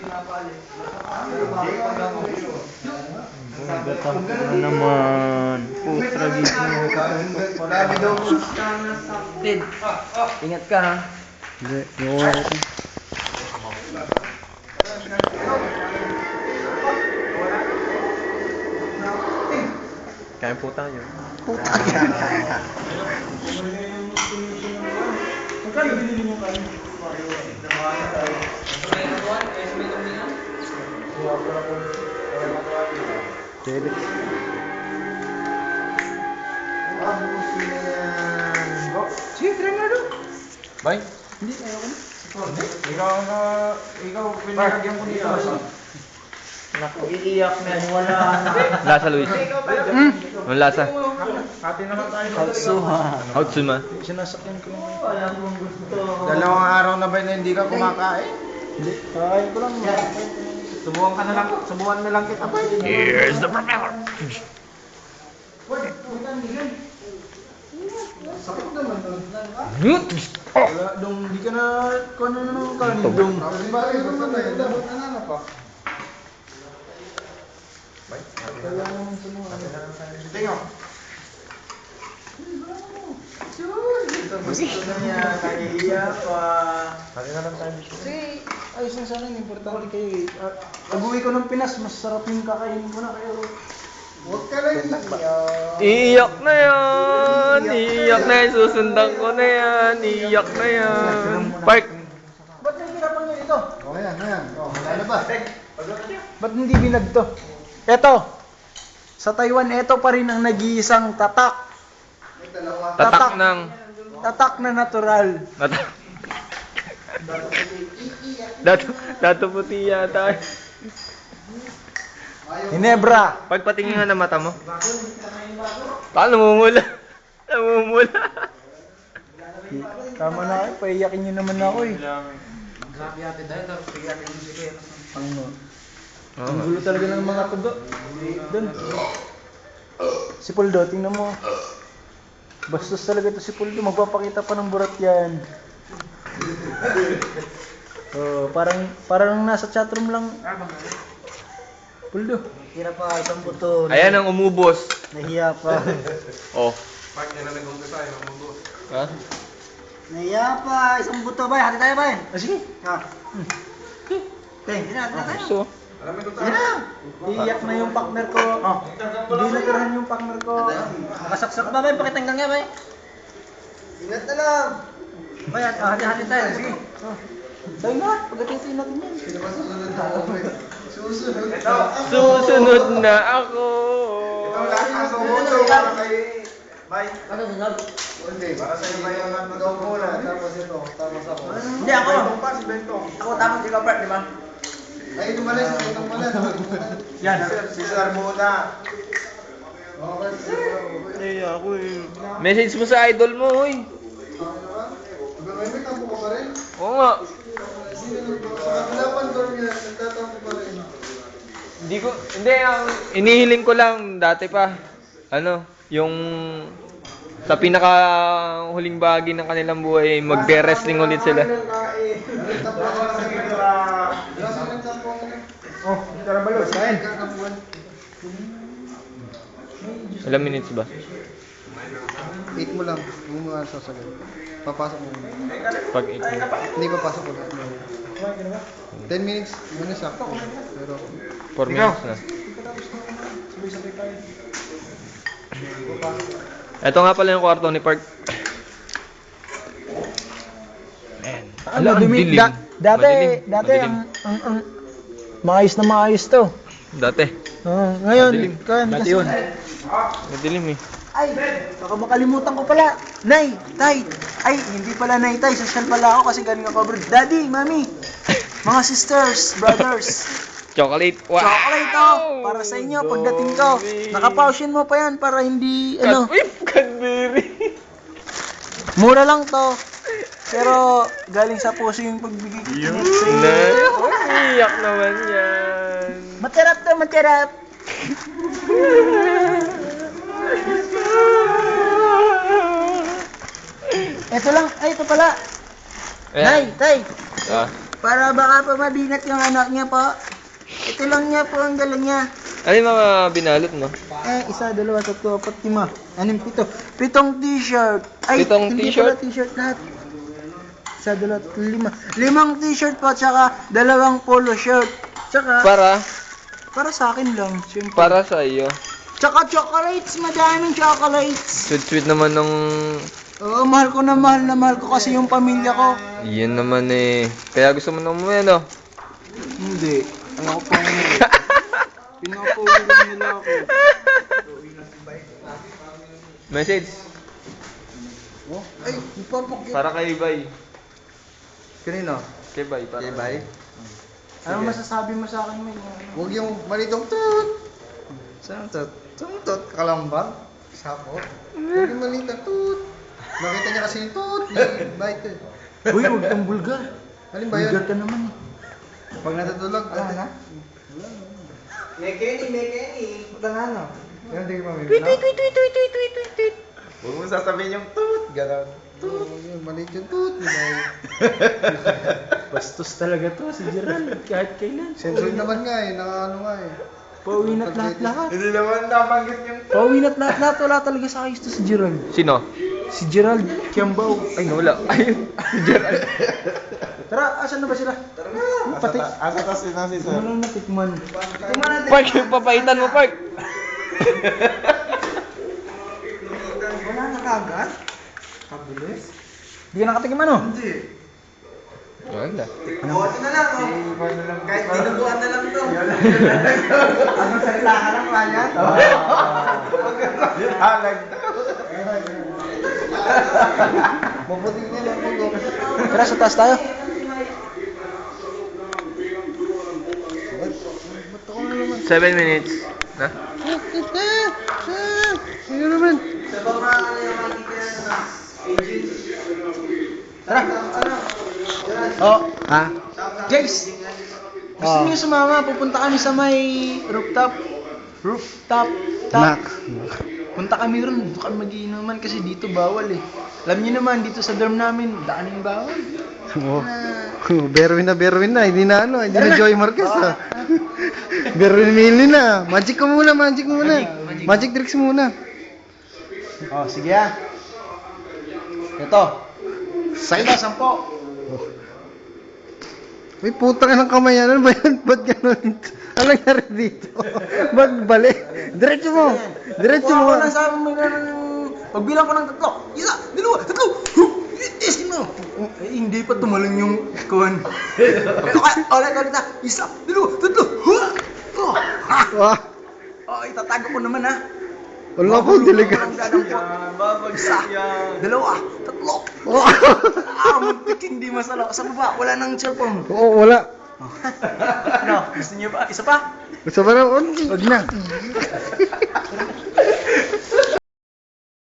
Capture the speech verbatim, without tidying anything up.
Gatang na naman. Putra gito. Ingat ka ha. Hindi, yung wala ito. Kain po tayo. Puta yan. Magkano binili mo kayo? Pwede. Sige, try na doon. Bye. Hindi, ayoko na. Ikaw na, ikaw pinagyan ko dito. Naku, iiyak na. Wala na. Lasa, Luis. Hmm? Anong lasa? Hati naman tayo. Hatsuha. Houtsuma. Sinasakyan ko lang. Alam kong gusto. Dalawang araw na ba na hindi ka kumakain? Hindi. Kakain ko lang. Subukan ka na lang, subukan na lang kita pa. Here's the propeller. Sakit naman doon. Nut! Wala, dong, di ka na, kung ano naman kanin, dong. Bali, kung ano yun, dapat na na pa. Kaya naman sa mga ano. Tingnan. Gusto na niya, nahihiya pa. Kasi, ayos na sana yung importante kayo eh. Ah, Pag-uwi ko ng Pinas, mas sarap yung kakainin ko na kayo. Huwag ka lang iiyak. Iiyak na yan! Iiyak na yan! Susundan ko na yan! Iiyak na yan! Park! Ba't yung pinapang nyo ito? Oh, ayan, ayan. Oh, ano ba? Ba't hindi binag to? Eto! Sa Taiwan, eto pa rin ang nag-iisang tatak. Tatak ng... Tatak na natural. Tatak. Dato, dato puti yata. Hinebra. Pagpatingin nga ng mata mo. Paano namumula? Namumula. Tama na kayo, paiyakin nyo naman ako eh. Ano? Ang gulo talaga ng mga tugo. Doon. Si Puldo, tingnan mo. Bastos talaga to si Puldo, magpapakita pa ng burat yan. Oh, parang parang nasa chatroom lang. Puldo. Kira pa, isang buto. Ayan ang umubos. Nahiya pa. Oh. Ha? Nahiya pa, isang buto ba? Hati tayo ba? Ah, sige. Ha. Teng, hindi na, hindi na tayo. So, Hindi na. Iiyak na yung partner ko. Oh. Hindi natirahan yung partner ko. Nakasaksak ba ba? Pakitanggang nga ba? Ingat na lang. Ba, hati-hati tayo. Sige. Oh. Tayo nga, pagkatisin natin yan. Susunod. susunod na ako. Ito lang ang sumuso para kay... Bye. Ano sunod? Hindi, para sa iyo yung nagaw muna. Tapos ito, tapos ako. Hindi ako. Bentong pa, si Bentong. Ako tapos ikaw part, di ba? Ay, tumalis, itong malas. Yan. Si Sir muna. Okay, Eh, ako eh. Message mo sa idol mo, hoy. May may tampo ka pa rin? Oo nga. Sa kabilapan door niya, nagtatampo pa rin. Hindi ko, hindi, ang inihiling ko lang dati pa. Ano, yung sa pinaka huling bahagi ng kanilang buhay, magbe-wrestling ulit sila. Oh, tara balos, kain. Ilang minutes ba? eight mo lang, huwag mo nga sasagot. Papasok mo muna. Pag eight Hindi papasok ko lang. ten minutes, muna sakto. Pero, four minutes na. Ito nga pala yung kwarto ni Park. Man. Ano, dumi, da, dati, Madilim. dati Madilim. ang, ang, ang, maayos na maayos to. Dati. Oh, ngayon, Madilim. kan, Dati kasi, yun. Madilim eh. ay, baka makalimutan ko pala. Nay, tay, ay, hindi pala nay, tay, social pala ako kasi galing ako abroad. Daddy, mami, mga sisters, brothers, Chocolate. Wow! chocolate to, para sa inyo pagdating ko. Nakapausin mo pa yan para hindi, ano, Cat- Uy, Cadbury. mura lang to. Pero, galing sa puso yung pagbigay ko sa inyo. Na, umiyak naman yan. Matirap to, matirap. Ito lang, ay ito pala. Ayan. Nay, tay. Ah, Para baka pa mabinat yung anak niya po. Ito lang niya po ang dala niya. Ano yung mga binalot mo? Eh, isa, dalawa, tatlo, apat, lima. Anong pito? Pitong t-shirt. Ay, Pitong hindi t-shirt? pala t-shirt lahat. Isa, dalawa, tatlo, lima. Limang t-shirt po, tsaka dalawang polo shirt. Tsaka, Para? para sa akin lang, siyempre. Para sa iyo. Tsaka chocolates, madaming chocolates. Sweet-sweet naman nung... Oo, mahal ko na mahal na mahal ko kasi yung pamilya ko. Yan naman eh. Kaya gusto mo na umuwi, no? Hindi. Ayoko pa yun. Pinapauwigan nila ako. Message. Oh, ay, ipapakit. Para kay Bay. Kanino? Kay Bay. Para Okay, bye. Ano masasabi mo sa akin, May? Huwag yung malitong tut. Saan tut? Saan tut? Kalambang? Sapo? Huwag yung malitong tut. Nakita niya kasi yung tut. May bite eh. Uy, huwag kang bulgar. Alin ba yun? Bulgar ka naman eh. Pag natutulog, Wala na? May Kenny, may Kenny. Punta na no. Yan, hindi ko mamimili. Tweet, tweet, tweet, tweet, tweet, tweet, tweet, tweet, tweet. Huwag mo sasabihin yung tut. Ganon. Tut. Yung maliit yung tut. May bite. Bastos talaga to si Gerald. Kahit kailan. Censored naman nga eh. Nakaano nga eh. Pauwinat lahat-lahat. Hindi naman nabanggit yung Pauwinat lahat-lahat. Wala talaga sa ayos to si Gerald. Sino? Si Gerald Kiambao. Ay, wala. Ayun. Tara, asan na ba sila? Tara na. Pati. asa tas yun si Ano lang natikman. Park, yung papaitan mo, Park. Wala na kagad? Kabilis. Hindi ka nakatikim ano? Hindi. Wala. Buti na lang, oh. Kahit dinuguan na lang to. Anong salita ka lang, Ryan? Halag daw. Mabuti nga lang po. Tara, sa taas tayo. Ba't ako na naman? Seven minutes. Na? Ano naman? Sa baba, ano yung makikita na agent? Tara. Oh, ha? Guys, gusto niyo sumama? Pupunta kami sa may rooftop. Rooftop. Top. Punta kami ron. Doon kami magiinuman kasi dito bawal eh. Alam niyo naman, dito sa dorm namin, daanin bawal. Oh. Berwin na, Berwin na. Hindi na ano, hindi na Joy Marquez ah. Berwin Mili na. Magic ko muna, magic muna. Magic tricks muna. Oh, sige ah. Ito. Side. Ito, sampo. Uy, putang ng kamay yan. Ano ba yan? Ba't ganun? Ano nangyari dito? Ba't balik? Diretso mo. Diretso Kung mo. ako lang sabi mo na pagbilang ko ng tatlo. Isa, dalawa, tatlo. Isin mo. Eh, hindi pa tumalon yung kuhan. Okay, ulit, ulit na. Isa, dalawa, tatlo. Oh, ha. Wah. Oh, itatago ko naman ha. Wala po, diligat. Isa, dalawa, tatlo. Oh. Ah, muntik hindi masalo. Sa baba, wala nang cellphone. Oo, wala. Ano, gusto niyo ba? Isa pa? Gusto ba na? Huwag na.